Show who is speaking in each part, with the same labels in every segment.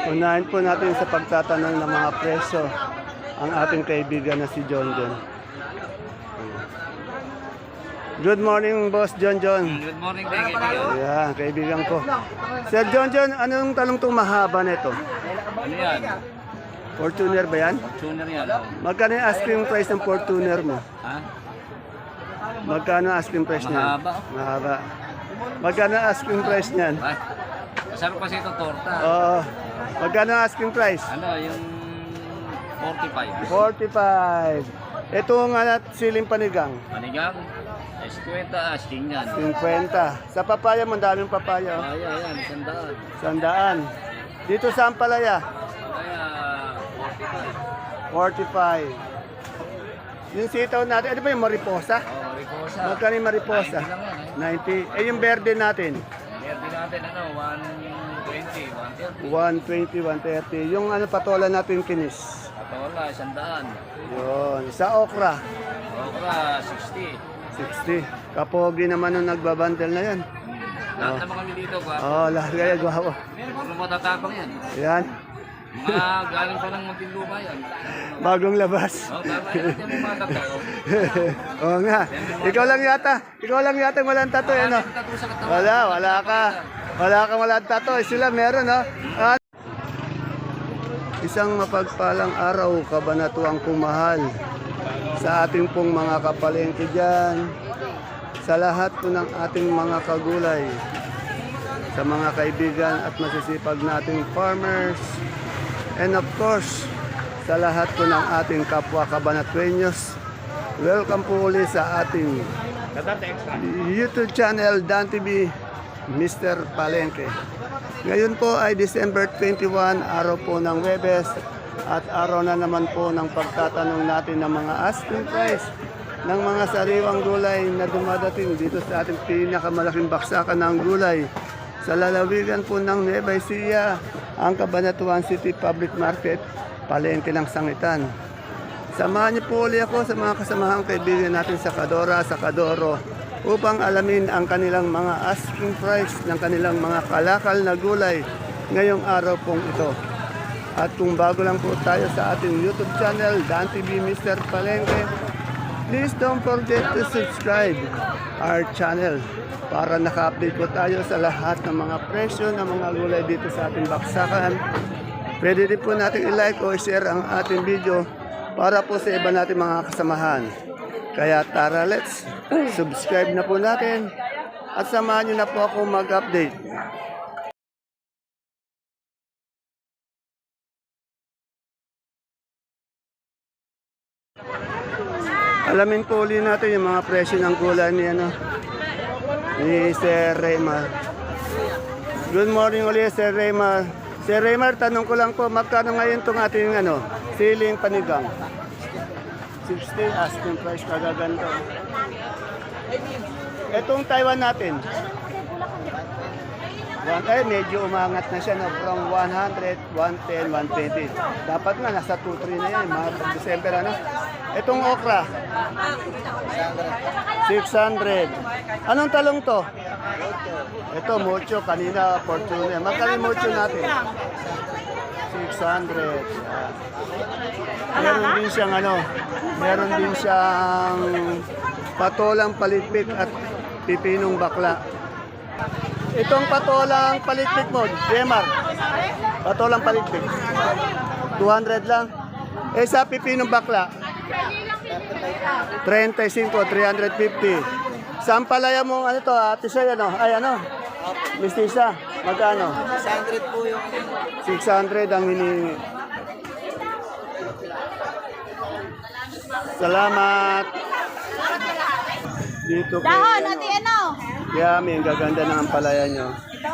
Speaker 1: Unahin po natin sa pagtatanong ng mga presyo ang ating kaibigan na si John John. Good morning, Boss John John.
Speaker 2: Good morning, kaibigan.
Speaker 1: Yeah, kaibigan ko. Sir John John, anong talong itong mahaba nito?
Speaker 2: Ano yan?
Speaker 1: Fortuner ba yan?
Speaker 2: Tuner yan.
Speaker 1: Magkano yung asking price ng Fortuner mo?
Speaker 2: Ha?
Speaker 1: Magkano ang asking price niyan?
Speaker 2: Mahaba.
Speaker 1: Mahaba. Magkano ang asking price niyan?
Speaker 2: Ay, masarap kasi ito torta.
Speaker 1: Oo. Magkano ang asking price?
Speaker 2: Ano, yung 45.
Speaker 1: 45. Ito nga siling panigang.
Speaker 2: Panigang, 50 asking yan.
Speaker 1: 50. Sa papaya mo, daming papaya. Oh.
Speaker 2: Ay, ayan,
Speaker 1: 100.
Speaker 2: 100.
Speaker 1: Dito sa Ampalaya,
Speaker 2: Kaya,
Speaker 1: 45. Yung sitaw natin, ano ba yung mariposa?
Speaker 2: ricosa.
Speaker 1: Magkano yung mariposa?
Speaker 2: 90 lang yan,
Speaker 1: 90. Eh yung verde natin?
Speaker 2: Meron natin, 120, 130.
Speaker 1: 120, 130. Yung ano patola natin kinis.
Speaker 2: Patola, 100.
Speaker 1: Yun. Sa okra,
Speaker 2: Okra, 60.
Speaker 1: 60. Kapogi naman nung nagbabandel na yan.
Speaker 2: Lahat naman kami dito, ba?
Speaker 1: Oo, lahat kaya gwapo.
Speaker 2: Puro matatapang yan.
Speaker 1: Yan.
Speaker 2: Mga galing pa ng Muntinlupa yan.
Speaker 1: Bagong labas.
Speaker 2: Oh, tama yan. Yan yung mga tatao.
Speaker 1: Oo nga. Ikaw lang yata walang tato yan, no?
Speaker 2: Tattoo sa katawan.
Speaker 1: Wala ka. Wala kang walang tato. Sila meron, no? Ah, isang mapagpalang araw, kabanatuang kumahal sa ating pong mga kapalengke dyan, sa lahat po ng ating mga kagulay, sa mga kaibigan at masisipag nating farmers, and of course, sa lahat po ng ating kapwa kabanatuenyos. Welcome po ulit sa ating YouTube channel, Dan TV, Mr. Palengke. Ngayon po ay December 21, araw po ng Webes, at araw na naman po ng pagtatanong natin ng mga asking price ng mga sariwang gulay na dumadating dito sa ating pinakamalaking baksakan ng gulay sa lalawigan po ng Nueva Ecija, ang Cabanatuan City Public Market, palengke ng Sangitan. Samahan niyo po ulit ako sa mga kasamahang kaibigan natin sa Kadora, sa Kadoro, upang alamin ang kanilang mga asking price ng kanilang mga kalakal na gulay ngayong araw pong ito. At kung bago lang po tayo sa ating YouTube channel, Dan TV Mr. Palengke, please don't forget to subscribe our channel para naka-update po tayo sa lahat ng mga presyo ng mga gulay dito sa ating baksakan. Pwede din po natin i-like o i-share ang ating video para po sa iba natin mga kasamahan. Kaya tara, let's subscribe na po natin at samahan nyo na po ako mag-update. Alamin po ulit natin yung mga presyo ng gulay ni Sir Raymar. Good morning ulit, Sir Raymar. Sir Raymar, tanong ko lang po, magkano ngayon itong ating siling panigang? 60 asking price, kagaganda. Itong Taiwan natin. Medyo umangat na siya, no? From 100, 110, 120. Dapat nga, nasa 2-3 na yan, mga December, ano? Itong okra. 600. Anong talong to? Ito, mucho. Kanina, Fortune. Magkano yung mucho natin? 600. Meron din siyang meron din siyang patolang palitpik at pipinong bakla. Itong patolang palitpik mo, Jemar. Patolang palitpik. 200 lang. Eh sa pipinong bakla, 35, 350. Sa ampalaya mo, to, Ate Soy, Mistisa, magkano?
Speaker 2: 600 po yung
Speaker 1: 600 ang hinihingi. Salamat. Dito kay,
Speaker 3: Dahon, ati
Speaker 1: Yami, ang gaganda ng ampalaya nyo.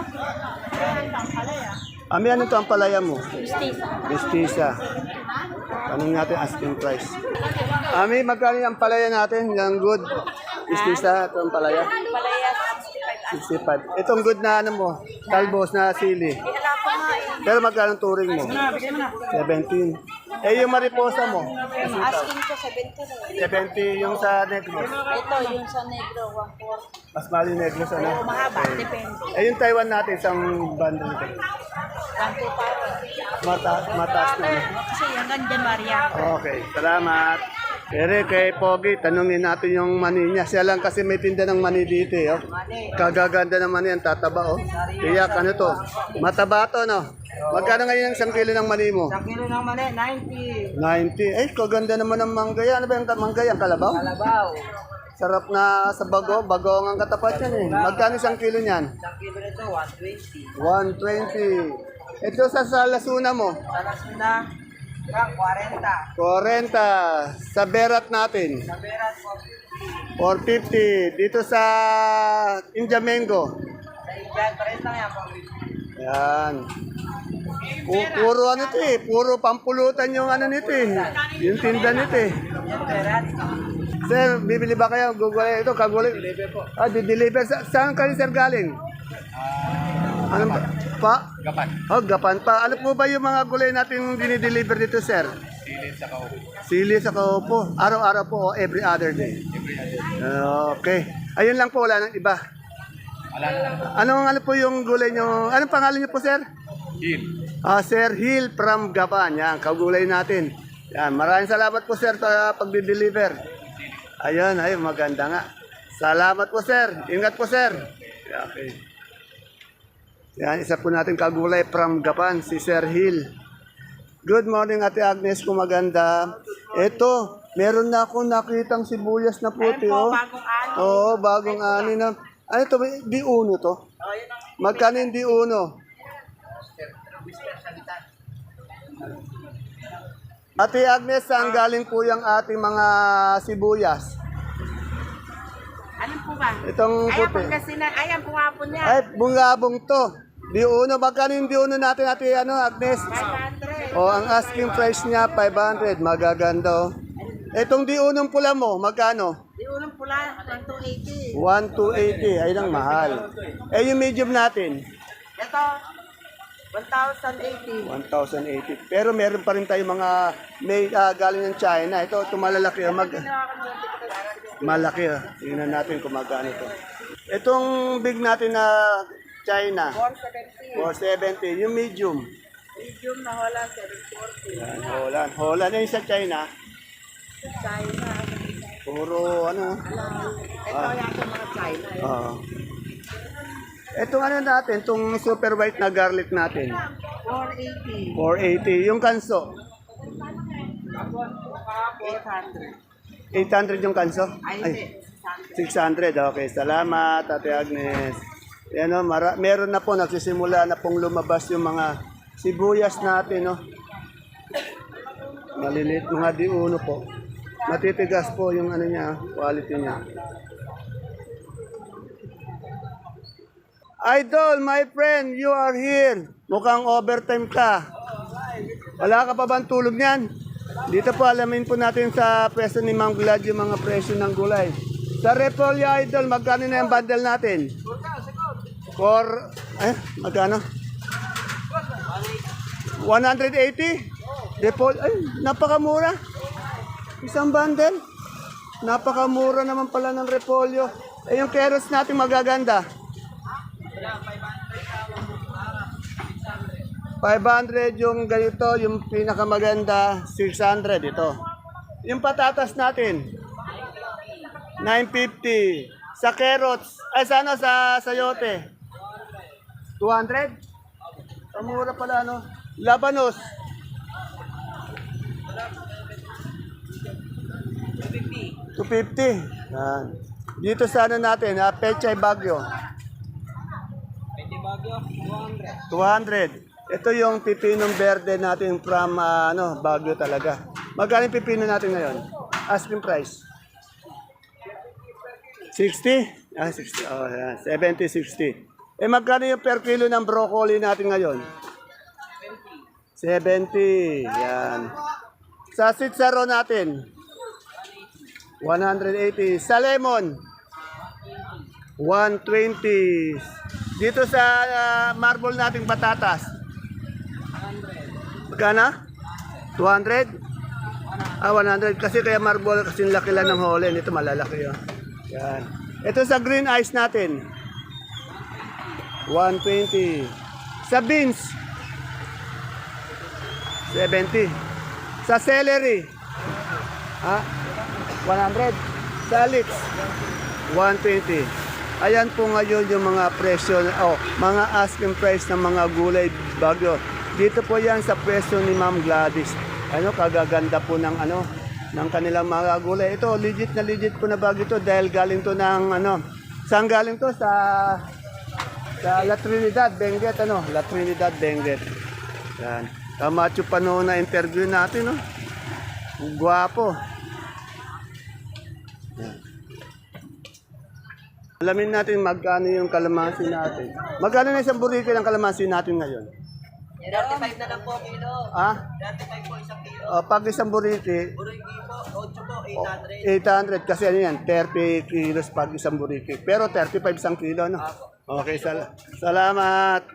Speaker 1: Ami, ano to ampalaya mo? Mistisa. Tanong natin asking price. Ami, magkano yung ampalaya natin? Yung good? Mistisa, ito ampalaya?
Speaker 3: Palaya,
Speaker 1: 65. Itong good na talbos na sili. Pero magkano turing mo? 17. Eh, yung mariposa mo?
Speaker 3: asking ko 70.
Speaker 1: 70 yung sa Negros.
Speaker 3: Ito, yung sa negro, 140.
Speaker 1: Mas mali Negros, ano?
Speaker 3: Mahaba, depende.
Speaker 1: Eh, yung Taiwan natin, isang bundle nito.
Speaker 3: 125.
Speaker 1: Mataas na.
Speaker 3: Kasi hanggang January yan.
Speaker 1: Okay, salamat. Pero kay Pogi, tanungin natin yung mani niya. Siya lang kasi may tinda ng mani dito. Oh. Kagaganda ng mani, ang tataba. Oh. Tiyak, ano to? Mataba to, no? Magkano ngayon ang 1 kilo ng mani mo?
Speaker 3: 1 kilo ng mali, 90.
Speaker 1: 90. Ay, kaganda naman ng manggaya. Ano ba yung manggaya? Ang kalabaw?
Speaker 3: Kalabaw.
Speaker 1: Sarap na sa bago. Bago ang katapat yan eh. Magkano 1 kilo niyan?
Speaker 3: 1 kilo nito, 120.
Speaker 1: 120. Ito sa lasuna mo?
Speaker 3: Sa Lasuna, 40.
Speaker 1: 40. Sa berat natin?
Speaker 3: Sa Beras,
Speaker 1: 450. Dito sa Injamengo?
Speaker 3: Sa Indian, 30 lang yan.
Speaker 1: Yan. Puro ano ito eh. Puro pampulutan yung ano nito eh. Yung tinda nito eh.
Speaker 3: Yung Beras,
Speaker 1: Sir, bibili ba kayo? Google ito, kagulay. Deliver po. Ah, di-deliver. Saan kayo sir galing? Ano ba? Pa?
Speaker 2: Gapan.
Speaker 1: Oh, gapan pa. Ano po ba yung mga gulay natin dinideliver dito, sir?
Speaker 2: Sili sa kaupo.
Speaker 1: Sili sa kaupo. Araw-araw po o every other day? Okay. Ayun lang po, wala nang iba.
Speaker 2: Wala na.
Speaker 1: Ano po yung gulay nyo? Anong pangalan nyo po, sir?
Speaker 2: Hil.
Speaker 1: Sir Hill from Gapan. Yan, kagulay natin. Yan, maraming salamat po, sir, sa pagdi-deliver. Ayun, maganda nga. Salamat po, sir. Ingat po, sir. Okay. Yan, isa po natin kagulay from Gapan, si Sir Hill. Good morning, Ate Agnes, kung maganda. Ito, meron na akong nakitang sibuyas na puti, oh.
Speaker 3: bagong ani.
Speaker 1: Oo, bagong ani na. Ano ito, di uno to? Magkano yung di uno? Ate Agnes, saan galing po yung ating mga sibuyas?
Speaker 3: Ano po ba?
Speaker 1: Itong
Speaker 3: Ayan po
Speaker 1: puti.
Speaker 3: kasi na, ayan po hapon niya.
Speaker 1: Ay, bungabong to. Di uno, magkano yung di uno natin, Ate Agnes?
Speaker 3: 500.
Speaker 1: Oh, ang asking price niya, 500. Magaganda, oh. Itong di unong pula mo, magkano?
Speaker 3: Di unang pula, 280.
Speaker 1: 1,280. Ayun ang mahal. Eh, yung medium natin,
Speaker 3: Ito, 1,080.
Speaker 1: 1,080. Pero meron pa rin tayong mga may galing ng China. Ito, malalaki. Malaki. Tingnan natin kung magkano ito. Itong big natin na China,
Speaker 3: 470.
Speaker 1: 470. Yung medium,
Speaker 3: Medium na wala, 740.
Speaker 1: yan, Holland. Holland. Yung sa China,
Speaker 3: China.
Speaker 1: puro ano.
Speaker 3: Ito yung mga China.
Speaker 1: Oo. Itong ano natin, itong super white na garlic natin,
Speaker 3: 480.
Speaker 1: 480. Yung kanso,
Speaker 3: 800.
Speaker 1: 800 yung kanso?
Speaker 3: Ay,
Speaker 1: 600. Okay, salamat, Ate Agnes. Yan o, meron na po, nagsisimula na pong lumabas yung mga sibuyas natin, no? Maliliit mga di uno po. Matitigas po yung ano niya, quality niya. Idol, my friend, you are here. Mukhang overtime ka. Wala ka pa bang tulog niyan? Dito po alamin po natin sa presyo ni Mang Vlad yung mga presyo ng gulay. Sa Repolyo, Idol, magkano na yung bundle natin? Magkano? 180? Napakamura. Isang bundle. Napakamura naman pala ng Repolyo. Eh, yung carrots natin magaganda. 500 yung ganito, yung pinakamaganda, 600 ito. Yung patatas natin, 950. Sa carrots, sa sayote, 200? Pamura pala, no? Labanos, 250. Yan. Dito sa ano natin, Pechay Bagyo. 200. Ito yung pipinong verde natin from Baguio talaga. Magkano yung pipino natin ngayon? Asking price. 60? 60. Oh, yan. 70, 60. Eh, magkano yung per kilo ng broccoli natin ngayon? 70. Yan. Sa sitsaro natin? 180. Sa lemon? 120. Dito sa marble nating patatas? 100. Magkano? 200? 100. Kasi kaya marble, kasi laki lang ng holen. Ito malalaki yun. Yan. Ito sa green ice natin. 120. Sa beans? 70. Sa celery, ha? 100. Sa leeks, 120. Ayan po ngayon yung mga presyo, mga asking price ng mga gulay bagyo. Dito po yan sa presyo ni Ma'am Gladys. Kagaganda po ng kanilang mga gulay. Ito, legit po na bagyo ito dahil galing to ng saan galing to? Sa La Trinidad, Benguet, La Trinidad, Benguet. Yan. Kamacho pa noon na interview natin, Guwapo. Yan. Alamin natin magkano yung kalamansi natin. Magkano na isang burrito ng kalamansi natin ngayon?
Speaker 3: 35 na lang po kilo. 35 po isang kilo.
Speaker 1: Pag isang burrito,
Speaker 3: Buriki po, 8 po, 800.
Speaker 1: 800 kasi ano yan, 30 kilos pag isang burrito. Pero 35 isang kilo, no? Okay, salamat.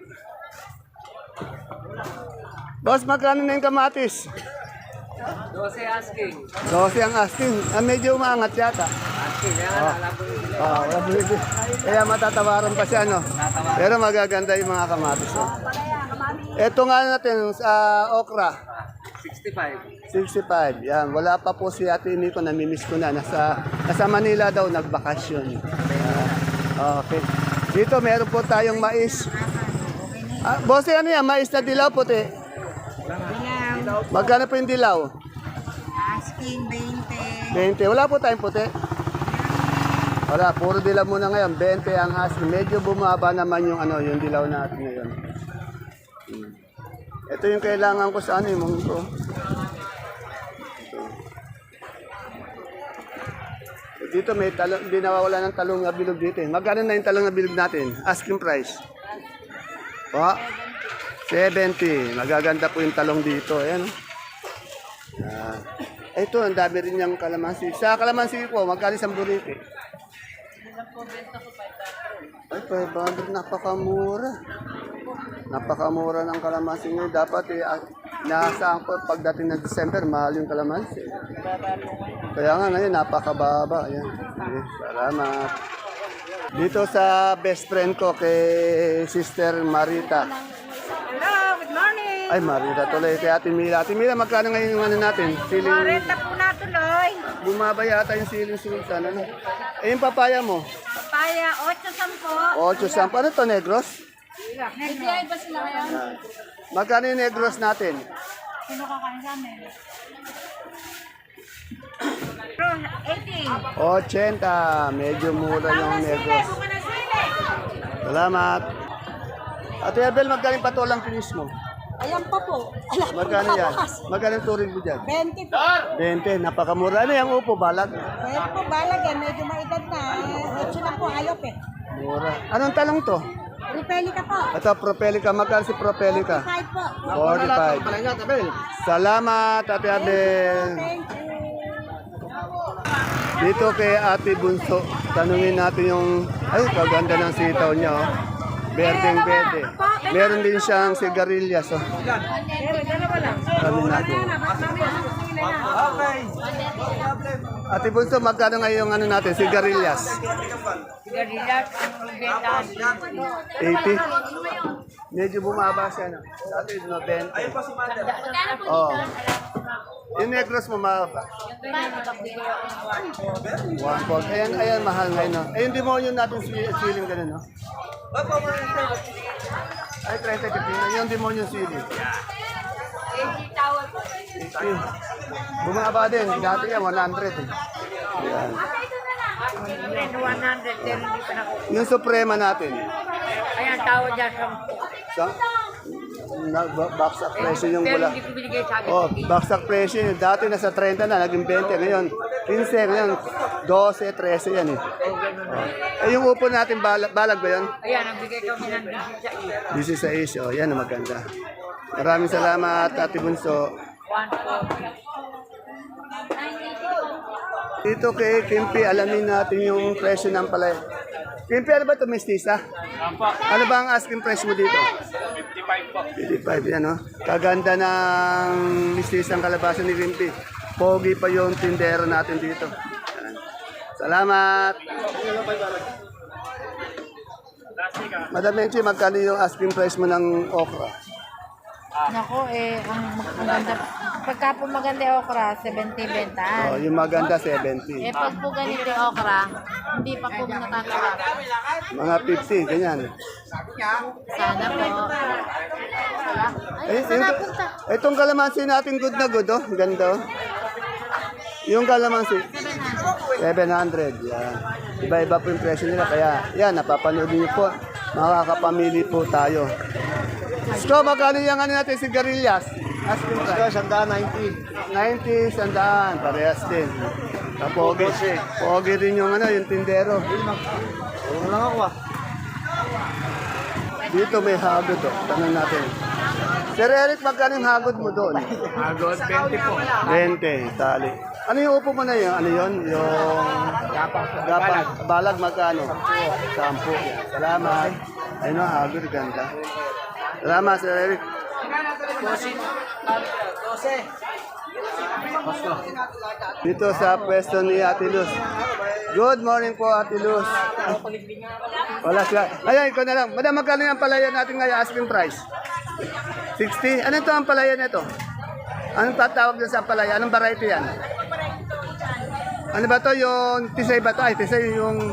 Speaker 1: Boss, magkano na yung kamatis?
Speaker 3: 12 asking.
Speaker 1: 12 ang asking. Medyo umaangat yata.
Speaker 3: Asking, wala po yung
Speaker 1: Wala bumili. Kaya matatawaran pa siya, no? Pero magaganda yung mga kamatis. Ito nga natin, sa okra.
Speaker 3: 65.
Speaker 1: 65. Yan. Wala pa po si Ate Miko. Namimiss ko na. Nasa Manila daw, nagbakasyon. Okay. Dito, meron po tayong mais. Boss, ano yan? Mais na dilaw puti. Magkano po yung dilaw?
Speaker 3: Asking, 20.
Speaker 1: 20. Wala po tayong puti. Wala, puro dilaw muna ngayon. 20 ang asking. Medyo bumaba naman yung yung dilaw natin ngayon. Ito yung kailangan ko sa yung munggo. Dito may talong, hindi nawawala ng talong na bilog dito. Magkano na yung talong na bilog natin? Asking price. 70. Magaganda po yung talong dito. Ayan. Ito, ang dami rin yung kalamansi. Sa kalamansi po, magkano isang burrito? Ay, 500. Napakamura. Napakamura ng kalamansi ngayon. Dapat nasaan ko pagdating ng December, mahal yung kalamansi. Kaya nga ngayon, napakababa. Ayan. Okay, salamat. Dito sa best friend ko kay Sister Marita.
Speaker 3: Hello, good morning.
Speaker 1: Ay, Marita tuloy. Kay Ate Mila. Ate Mila, magkano ngayon yung natin? Siling,
Speaker 3: 40 po na tuloy.
Speaker 1: bumaba yata yung siling sultan. Yung papaya mo?
Speaker 3: Papaya, 8
Speaker 1: 8 Ano to, negros?
Speaker 3: Nag-DI ba sila ngayon?
Speaker 1: Magkano yung negros natin?
Speaker 3: Sino kakain sa amin? Bro, 80.
Speaker 1: 80. Medyo mura yung negros.
Speaker 3: Bunga na sili.
Speaker 1: Salamat. Ate Abel, magkano yung patolang finish mo?
Speaker 3: Ayan pa po.
Speaker 1: Magkano yan? Magkano yung turing mo dyan?
Speaker 3: 20 po.
Speaker 1: 20. Napakamura. Ano yung upo, balag?
Speaker 3: Kaya po balag eh, medyo maedad na. 8 na po, ayop eh.
Speaker 1: Mura. Anong talong to?
Speaker 3: Repelica po.
Speaker 1: Ito, Propelica. Magkano si Propelica?
Speaker 3: 5 po.
Speaker 1: 45. Salamat, Ate Abel.
Speaker 3: Thank you.
Speaker 1: Dito kay Ate Bunso, tanungin natin yung, ay, kaganda ng sitaw niya, Berdeng berde. Meron din siyang sigarilyas,
Speaker 3: Dalawa lang.
Speaker 1: Tanungin natin. Ate Bunso, magkano ngayon natin, sigarilyas?
Speaker 3: Sigarilyas,
Speaker 1: 80? Medyo bumaba siya, no? Dati, 90. Oh. Yung negros mo, mababa. 1 Ayan, mahal ngayon, no? Yung demonyo natin siling ganun, no? Ay, 30 kapina. Yung demonyo siling. Bumaba din. Dati yan, 100. Ayan.
Speaker 3: 100, pero hindi pa nakuha.
Speaker 1: Yung suprema natin.
Speaker 3: Ayan, tawad dyan sa...
Speaker 1: Baksak presyo yung
Speaker 3: Pero
Speaker 1: wala.
Speaker 3: hindi ko binigay sa akin.
Speaker 1: Baksak presyo yun. Dati nasa 30 na, naging 20. Ngayon, 15. Ngayon, 12, 13 yan eh. Yung upo natin, balag ba yun?
Speaker 3: Ayan, nagbigay kami ng 16.
Speaker 1: 16. Yan ang maganda. Maraming salamat, Ate Bunso.
Speaker 3: 1
Speaker 1: Dito kay Kimpi, alamin natin yung presyo ng palay. Kimpi, ano ba ito, mestiza? Ano ba ang asking price mo dito?
Speaker 2: 55 po.
Speaker 1: 55, yan o. Kaganda ng mistisang kalabasa ni Kimpi. Pogi pa yung tindero natin dito. Yan. Salamat! Madam Menchi, magkano yung asking price mo ng okra?
Speaker 4: Nako, ang maganda. Pagka po maganda yung okra, 70 bentaan.
Speaker 1: Oh, yung maganda 70.
Speaker 4: Pag po ganito yung okra, hindi pa po natatawa.
Speaker 1: Mga 50, ganyan.
Speaker 4: Sana po. Ay,
Speaker 1: Eh,
Speaker 4: saan napunta?
Speaker 1: itong kalamansi natin good na good, oh. Ganda, oh. Yung kalamansi, 700. Yan. Iba-iba po yung presyo nila. Kaya, yan, napapanood niyo po. Makakapamili po tayo. So, magkano yung ano natin, sigarilyas? Asking price.
Speaker 2: Sandaan 90.
Speaker 1: 90, sandaan. Parehas din. Pogi. Pogi rin yung ano, yung tindero.
Speaker 2: Ano lang ako ah.
Speaker 1: Dito may hagod, oh. Tanong natin. Sir Eric, magkano yung hagod mo doon?
Speaker 2: Agos 20 po.
Speaker 1: 20, tali. Ano yung upo mo na yun? Ano yun? Yung gapang. Balag magkano? 10. Salamat. Ayun o, hagod. Ganda. Salamat, Sir Eric.
Speaker 3: 12.
Speaker 1: Dito sa pwesto ni Ate Luz. Good morning po, Ate Luz. Wala siya. Ayan, ikaw na lang. Madam, magkano yung palaya natin ngayon? Asking price. 60? Ano ito ang palaya na ito? Anong tatawag na sa palaya? Anong variety yan? Ano ba to? Yung tisay ba to? Ay, tisay yung...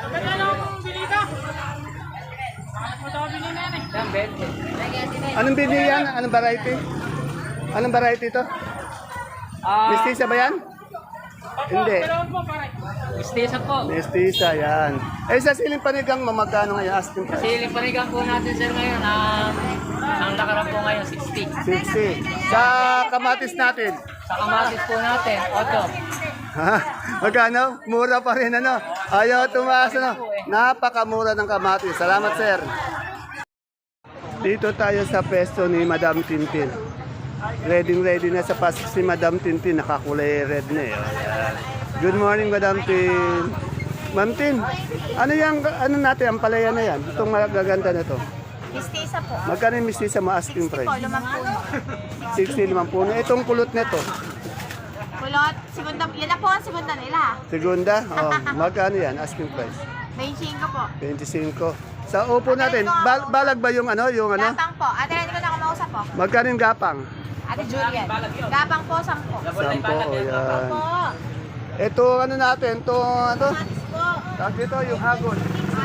Speaker 1: Anong bini yan? Anong variety? Anong variety to? Mestiza ba yan? Hindi.
Speaker 3: Mistisa po.
Speaker 1: Mestiza, yan. Eh, sa siling panigang, mamagkano ngayon? Asking price.
Speaker 3: Siling panigang po natin sir ngayon. Ang lakaran po ngayon 60.
Speaker 1: 60. Sa kamatis natin.
Speaker 3: Sa kamatis po natin 8.
Speaker 1: Ha? Magkano? Mura pa rin ano? Ayaw tumaas ano? Napakamura ng kamatis. Salamat, sir. Dito tayo sa pesto ni Madam Tintin. Ready na sa pasok si Madam Tintin. Nakakulay red na eh. Oh, yan. Good morning, Madam Tin. Ma'am Tin, ano ano natin, ang palaya na yan? Itong magaganda na to.
Speaker 4: Mistisa po.
Speaker 1: Magkano yung mistisa mo asking price?
Speaker 4: Lumang puno.
Speaker 1: 60, 50. Itong kulot nito.
Speaker 4: Kulot, segunda, yan na po ang segunda nila.
Speaker 1: Segunda? Oh, magkano yan? Asking price.
Speaker 4: 25 po.
Speaker 1: 25. Sa upo natin, balag ba yung ano? Yung ano?
Speaker 4: Gapang po. Ate, hindi ko na kumausap po.
Speaker 1: Magkano yung gapang?
Speaker 4: Ate Julian. Gapang po, 10.
Speaker 1: 10, oh, yan.
Speaker 4: Po.
Speaker 1: Ito, ano natin? Ito, ano?
Speaker 4: Matis po.
Speaker 1: Tag dito, yung hagod.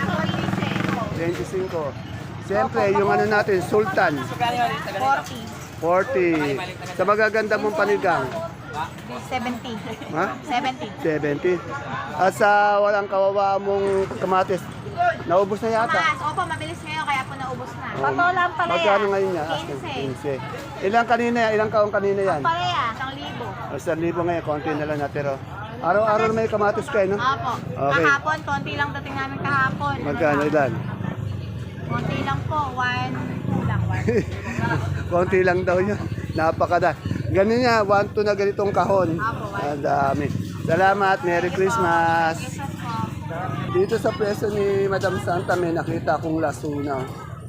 Speaker 1: 25. Siyempre, yung ano natin, sultan.
Speaker 4: 40.
Speaker 1: 40. Sa magaganda mong panigang.
Speaker 4: 70.
Speaker 1: Ha?
Speaker 4: 70.
Speaker 1: 70. At sa walang kawawa mong kamatis, naubos na yata.
Speaker 4: Mas, opo, mabilis ngayon, kaya po naubos na.
Speaker 1: Oh,
Speaker 4: Totoo lang pala yan.
Speaker 1: Magkano ngayon niya? 15. Ilang kanina yan? Ilang kaong kanina yan?
Speaker 4: Palaya, 1,000.
Speaker 1: 1,000 ngayon, konti na lang natiro. Araw-araw may kamatis kayo, no?
Speaker 4: Opo.
Speaker 1: Okay.
Speaker 4: Kahapon, konti lang dating namin kahapon.
Speaker 1: Magkano ilan?
Speaker 4: Konti lang po, 1,2 lang. 1.
Speaker 1: Konti lang daw yun. Napakada. Ganun niya, 1-2 na ganitong kahon. Ang dami. Salamat, Merry Christmas.
Speaker 4: Christmas po.
Speaker 1: Dito sa pwesto ni Madam Santa may nakita akong lasuna.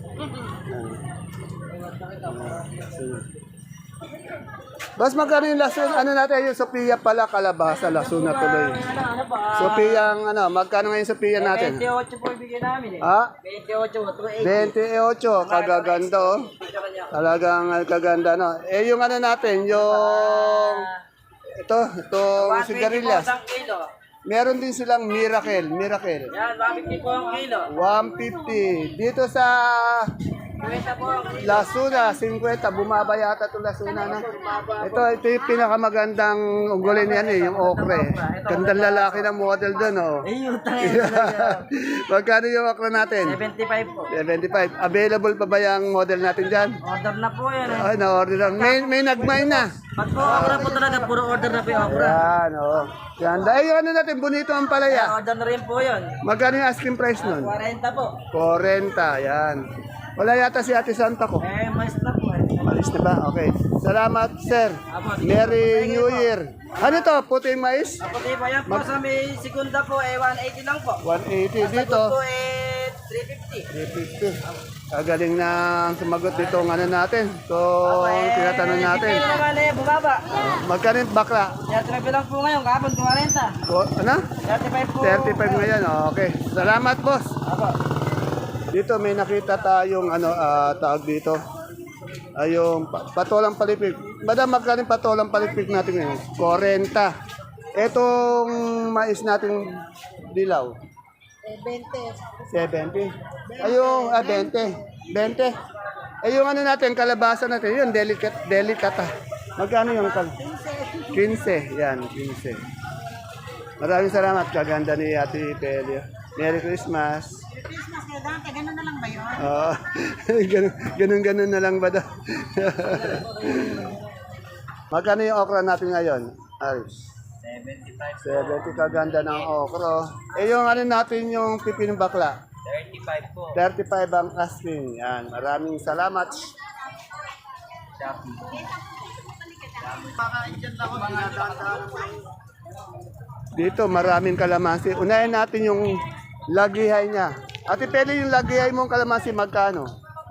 Speaker 1: Bas magkano yung lasuna? Ano natin yung Sophia pala, kalabasa, lasuna tuloy. Sophia ang ano, magkano ngayon Sophia natin?
Speaker 3: 28 po ibigay namin eh.
Speaker 1: Ha?
Speaker 3: 28 po.
Speaker 1: 28, kagaganda oh. Talagang kaganda no. Eh yung ano natin, yung itong sigarilyas.
Speaker 3: Isang kilo.
Speaker 1: Meron din silang miracle.
Speaker 3: Yan, 150 po ang kilo.
Speaker 1: 150. Dito sa
Speaker 3: 20 po ang kilo.
Speaker 1: Lasuna, 50. Bumaba yata itong Lasuna na. Ito yung pinakamagandang ugulin yan eh, yung okre. Gandang lalaki ng model doon oh. Magkano yung okre natin?
Speaker 3: 75 po.
Speaker 1: 75. Available pa ba yung model natin dyan?
Speaker 3: Order na po yan eh.
Speaker 1: Ay, na-order lang. May nagmay na.
Speaker 3: Pag po okra po talaga, puro order na po yung okra.
Speaker 1: Yan, oo. Yan. Ay, yung ano natin, bonito ang palaya.
Speaker 3: Order na rin po yun.
Speaker 1: Magkano yung asking price nun?
Speaker 3: 40 po.
Speaker 1: 40, yan. Wala yata si Ate Santa ko.
Speaker 3: Mais na po eh.
Speaker 1: Malis na ba? Okay. Salamat, sir. Merry New Year. Ano to? Puting mais?
Speaker 3: Puti po yan po sa may segunda po eh 180 lang po.
Speaker 1: 180 dito.
Speaker 3: Po eh 350.
Speaker 1: 350. Kagaling na sumagot dito ng ano natin. So, tinatanong natin.
Speaker 3: Depende naman eh, bumaba.
Speaker 1: Magkano yung bakla?
Speaker 3: 35 lang po ngayon, kahapon 40.
Speaker 1: Ano?
Speaker 3: 35 po.
Speaker 1: 35 ngayon. Okay. Salamat, boss.
Speaker 3: Apo.
Speaker 1: Dito may nakita tayong ano tawag dito. Ay, yung patolang palipik. Madam, magkano yung patolang palipik natin ngayon? 40. Etong mais natin dilaw? 70. Ayun, 20. 20. Ay, yung ano natin, kalabasa natin, yun, delicata. Magkano yung 15. Yan, 15. Maraming salamat. Kaganda ni Ate Pelio. Merry Christmas.
Speaker 5: Christmas kaya dati, gano'n na lang ba yun?
Speaker 1: Oo. Ganun na lang ba daw? Magkano yung okra natin ngayon, Aris? 70. Kaganda ng okra. Eh yung ano natin yung pipinong bakla?
Speaker 3: 35 po.
Speaker 1: 35 ang asking. Yan. Maraming salamat. Dito maraming kalamansi. Unahin natin yung lagihay niya. Ate Peli, yung lagihay mong kalamansi magkano?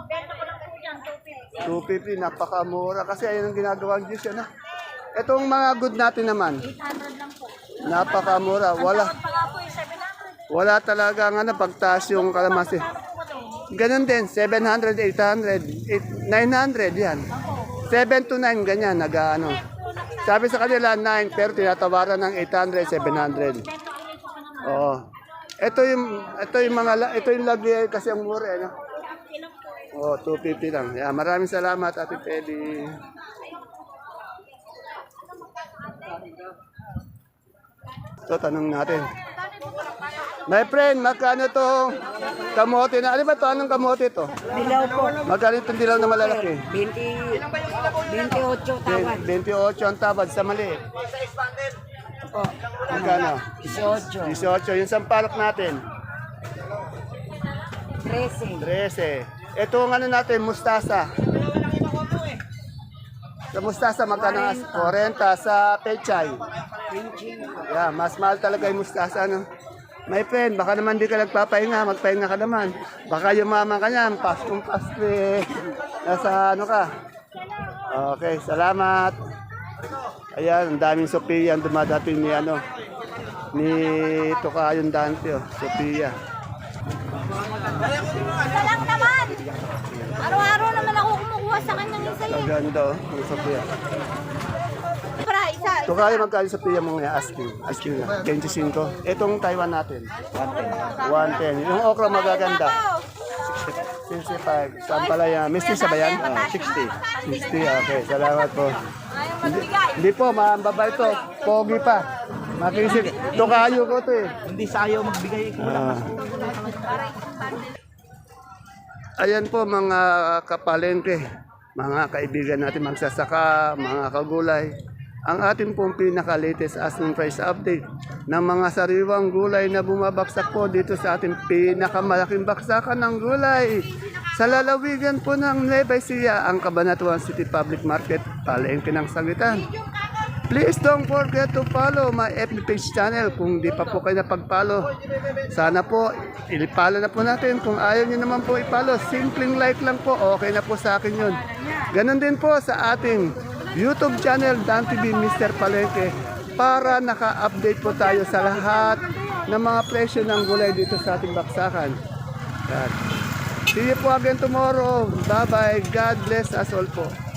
Speaker 1: 250, napakamura kasi ayun ang ginagawang juice yan. Itong mga good natin naman.
Speaker 5: 800 lang po.
Speaker 1: Napakamura. Wala talaga nga na pagtaas yung kalamansi. Ganun din, 700, 800, 900 yan. 7 to 9 ganyan, nag-ano. Sabi sa kanila 9 pero tinatawaran ng 800, 700. Oo. Ito yung lagi kasi ang mura eh, no? Oh, 250 lang. Yeah, maraming salamat Ate Pedi. So, tanong natin. My friend, magkano to kamote na? Ano ba to? Anong kamote to?
Speaker 4: Dilaw po.
Speaker 1: Magkano itong dilaw na malalaki?
Speaker 4: 28 tawad.
Speaker 1: 28 ang tabad sa maliit.
Speaker 4: Po.
Speaker 1: Magkano?
Speaker 4: 18.
Speaker 1: 18. Yung sampalok natin.
Speaker 4: 13.
Speaker 1: 13. Ito ang ano natin, mustasa. Sa mustasa, magkano? 40. Sa pechay. Yeah, mas mahal talaga yung mustasa, no? My friend, baka naman di ka nagpapahinga, magpahinga ka naman. Baka yumaman ka niyan, paskong paske. Nasa ano ka? Okay, salamat. Ayan, ang daming Sophia ang dumadating ni ano, ni Tokayong Dante, oh, Sophia.
Speaker 5: Isa lang naman! Araw-araw naman ako kumukuha sa kanyang isa eh.
Speaker 1: Ang ganda, oh, ang Sophia.
Speaker 5: Para isa.
Speaker 1: Tokayo, magkano Sophia mo nga asking na, 25. Itong Taiwan natin, 110. Yung okra magaganda, 65. Saan pala yan? Misty sa bayan? 60. 60, okay. Salamat po. Hindi po, mambaba ito. Pogi pa. Makisig. Tokayo ko to eh.
Speaker 2: Hindi sayo magbigay ko lang.
Speaker 1: Ayan po mga kapalengke, mga kaibigan natin magsasaka, mga kagulay. Ang ating pong pinaka-latest asking price update ng mga sariwang gulay na bumabaksak po dito sa ating pinakamalaking baksakan ng gulay. Sa lalawigan po ng Nueva Ecija, ang Cabanatuan City Public Market, palengke ng Sangitan. Please don't forget to follow my FB page channel kung di pa po kayo napag-follow. Sana po, ilipalo na po natin. Kung ayaw nyo naman po i-follow, simpleng like lang po, okay na po sa akin yun. Ganon din po sa ating YouTube channel, Dan TV Mr. Palengke, para naka-update po tayo sa lahat ng mga presyo ng gulay dito sa ating baksakan. Yan. See you po again tomorrow. Bye-bye. God bless us all po.